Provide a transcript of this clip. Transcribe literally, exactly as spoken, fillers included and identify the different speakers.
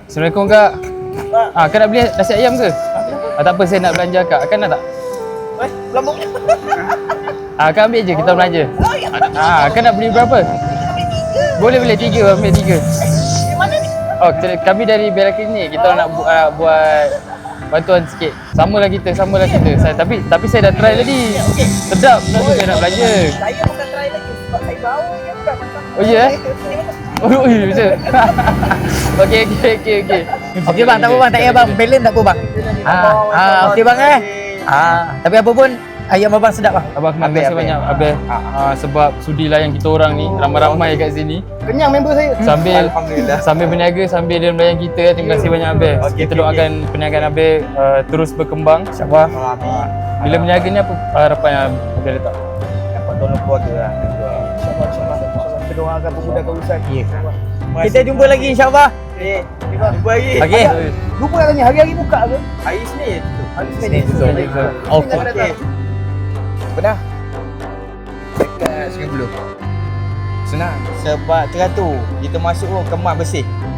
Speaker 1: Assalamualaikum kak. Ah, kak nak beli nasi ayam ke? Ah, tak apa, saya nak belanja kak. Kak nak tak?
Speaker 2: Eh, lambung.
Speaker 1: Ah, kak ambil je, kita belanja. Ah, kak nak beli berapa? Boleh boleh tiga, ambil tiga.
Speaker 2: Mana ni?
Speaker 1: Oh, kita- kami dari Bella Clinic. Kita nak bu- uh, buat bantuan sikit. Samalah kita, samalah kita. Saya tapi tapi saya dah try tadi. Sedap, nak juga nak belanja.
Speaker 2: Saya bukan try lagi sebab saya bau je bukan macam.
Speaker 1: Oh ya? Oh, iya betul. Okey okey okey okey.
Speaker 3: Okey bang, tak apa bang, tak payah bang. Balance tak apa bang. Ha, ha okey bang eh. Ha, tapi apa pun ayam abang sedap bang.
Speaker 1: Abang terima
Speaker 3: Habis,
Speaker 1: kasih
Speaker 3: habis.
Speaker 1: banyak Abel. Ah, sebab sudi layan kita orang ni ramai-ramai kat sini.
Speaker 2: Kenyang member saya.
Speaker 1: Sambil
Speaker 4: Alhamdulillah.
Speaker 1: sambil berniaga sambil dia melayan kita. Terima kasih banyak Abel.
Speaker 4: Okey,
Speaker 1: Kita
Speaker 4: okey,
Speaker 1: doakan perniagaan Abel uh, terus berkembang insya-Allah.
Speaker 4: Amin.
Speaker 1: Bila berniaga ni apa harapan yang Abel letak?
Speaker 4: Dapat tolong keluarga lah.
Speaker 2: InsyaAllah, insyaAllah. InsyaAllah. Kita doakan memudahkan urusan.
Speaker 3: Ya. Kita jumpa lagi insya-Allah.
Speaker 4: Eh, jumpa lagi.
Speaker 3: Okey.
Speaker 2: Lupa nak tanya, hari-hari buka ke?
Speaker 4: Hari Isnin.
Speaker 2: Hari
Speaker 3: Senin
Speaker 2: Senin.
Speaker 3: tutup. Okey.
Speaker 4: Okey.
Speaker 3: Benar.
Speaker 4: Dekat Sungai Buloh. Senang. Sebab teratur. Kita masuk oh, kemas bersih.